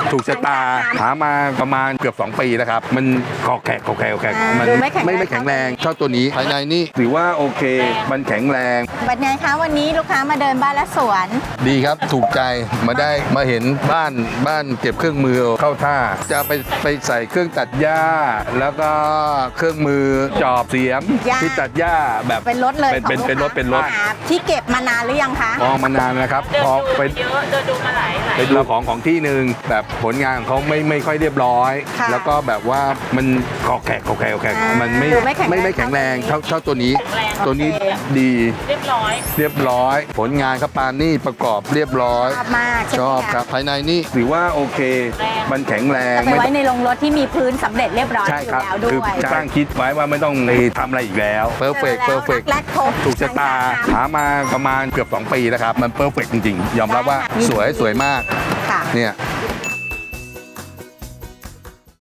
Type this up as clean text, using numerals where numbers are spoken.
ถูกชะตาหามาประมาณเกือบ2 ปีแล้วครับมันคอแขกมันไม่แข็งแรงเท่าตัวนี้ภายในนี่ถือว่าโอเคมันแข็งแรงเป็นไงคะวันนี้ลูกค้ามาเดินบ้านและสวนดีครับถูกใจมาเห็นบ้านเก็บเครื่องมือเข้าท่าจะไปใส่เครื่องตัดหญ้าแล้วก็เครื่องมือจอบเสียมที่ตัดหญ้าแบบเป็นรถเลยเป็นรถที่เก็บมานานหรือยังคะมองมานานนะครับพอไปเยอะเดินดูมาหลายไปดูของที่หนึ่งแบบผลงานของเขาไม่ค่อยเรียบร้อยแล้วก็แบบว่ามันคอแขกมันไม่แข็งแรงเท่าตัวนี้ดีเรียบร้อยผลงานครับปานนี่ประกอบเรียบร้อยชอบครับภายในนี่ถือว่าโอเคมันแข็งแรงไปไว้ในโรงรถที่มีพื้นสำเร็จเรียบร้อยใช่อยู่ครับแล้วด้คือวยตั้งคิดไว้ว่าไม่ต้องไปทำอะไรอีกแล้วเพอร์เฟกต์แรกครบถูกชะตาหามาประมาณเกือบ2 ปีแล้วครับมันเพอร์เฟกต์จริงๆยอมรับว่าสวยมากค่ะเนี่ย